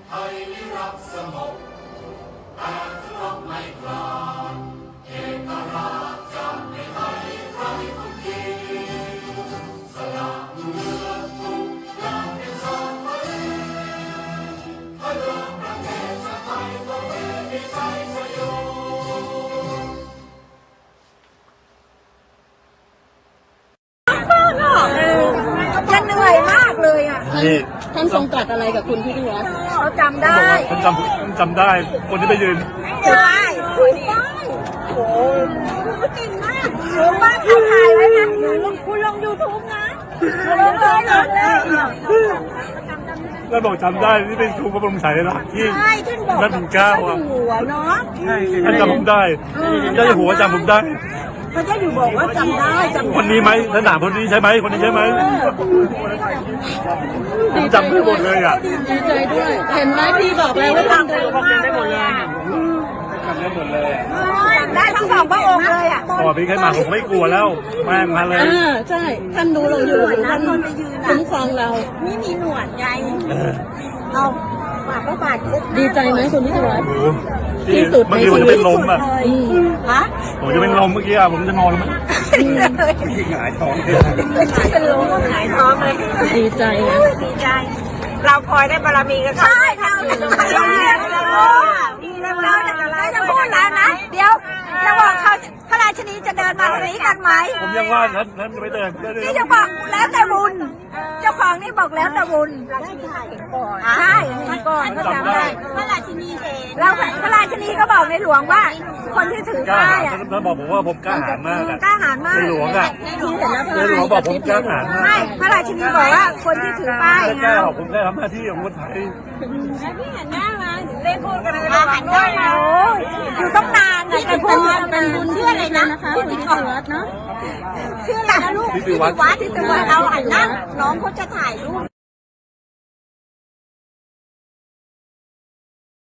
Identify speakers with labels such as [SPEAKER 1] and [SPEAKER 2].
[SPEAKER 1] ไทยนิรักสงบแต่รบไม่กล้าเอกราชจะไม่ให้ใครทุกทีสละเลือดทุกอย่างเป็นชาติไทยถ้าเดินประเทศชาติไทยก็มีชัยชโย
[SPEAKER 2] จะเหนื่อยมากเลยอ่ะ
[SPEAKER 3] ท่านทรงตรัสอะไรกับคุณพิธีวัฒน์
[SPEAKER 2] เขาจำได้
[SPEAKER 4] จำได้คนที่ไปยืน
[SPEAKER 2] ได้ถูกต้องโอ้เก่งมากรู้ว่าเขาถ่ายไว้นะคุณลง YouTube นะลงเลย
[SPEAKER 4] แล้วบอกจำได้ที่เป็นครูพระบรมฉายาลักษณ์ที่
[SPEAKER 2] ใช่ท่านบอก
[SPEAKER 4] รัชกาลที่ 9 อ่ะ
[SPEAKER 2] หัวเนาะ
[SPEAKER 4] ท่านจำผมได้เจ้าอยู่หัวจำผมได้
[SPEAKER 2] พระเจ้าอยู่บอกว่าจำได้
[SPEAKER 4] คนนี้ไหมท่านถามคนนี้ใช่ไหมคนนี้ใช่ไหมผมจำได้หมดเลยอ่ะ
[SPEAKER 3] ดีใจด้วย เห็นไหมพี่บอกแล้วว่าท่านดู
[SPEAKER 4] ได้หมดเลยจำได้หมดเลย
[SPEAKER 2] ได้ทั้งสองพระองค์เลยอ่ะ
[SPEAKER 4] พอพี่ใครมาผมไม่กลัวแล้วแม่งมาเลย
[SPEAKER 3] ใช่ ท่านดูเราอยู่ท่านคุ้มครองเรา
[SPEAKER 2] นี่มีหนวดไงเอาปากก็ปาก
[SPEAKER 3] ดีใจไหมคุณพิธีวัฒน์
[SPEAKER 4] โอ้โห
[SPEAKER 3] ที่สุด
[SPEAKER 4] เมื่อกี้ผมจะเป็นลมอ่ะ
[SPEAKER 2] ฮะ
[SPEAKER 4] ผมจะเป็นลมเมื่อกี้อ่ะผมจะนอนแล้วมั้งหงายท้องเลย
[SPEAKER 2] เป็นลมหายท้องเลย
[SPEAKER 3] ดีใจนะ
[SPEAKER 2] ดีใจ เราคอยได้บารมีกันใช่เราเรียนเราจะพูดแล้วนะ เดี๋ยวจะบอกเขาพระราชินีจะเดินมาตรงนี้กันไหม
[SPEAKER 4] ผมยังว่าท่านจะไม่เดิน
[SPEAKER 2] นี่จะบอกแล้วแต่บุญ เจ้าของนี่บอกแล้วแต่บุญใช่เห็นก่อนก็จำได้พระราชินีเห็นแล้วพระราชินีก็บอกในหลวงว่า คนที่ถือก
[SPEAKER 4] ล้า
[SPEAKER 2] ป้า
[SPEAKER 4] หาย ญ
[SPEAKER 2] อ่ะ
[SPEAKER 4] ท่านบอกผมว่าผมกล้าหาญมากอ่ะ
[SPEAKER 2] กล้าหาญมาก
[SPEAKER 4] ในหลวงอ่ะ ในหลวงบอกผมกล้าหาญมาก
[SPEAKER 2] ไม่พระราชินีบอกว่าคนที่ถือป้าย
[SPEAKER 4] ไม่กล้าหรอกผมแค่ทำหน้าที่ของคนไทย
[SPEAKER 2] เล่นพูดกันเลยหันหน้ามาโอ้ยอยู่ต้องนานนะแต่พูด
[SPEAKER 3] เป็นบุญชื่ออะไรนะคะคุณพิธีวัฒน์เนาะ
[SPEAKER 2] ชื่ออะไรนะลูกทิติวัฒน์เอาหันหน้าน้องเขาจะถ่ายรูป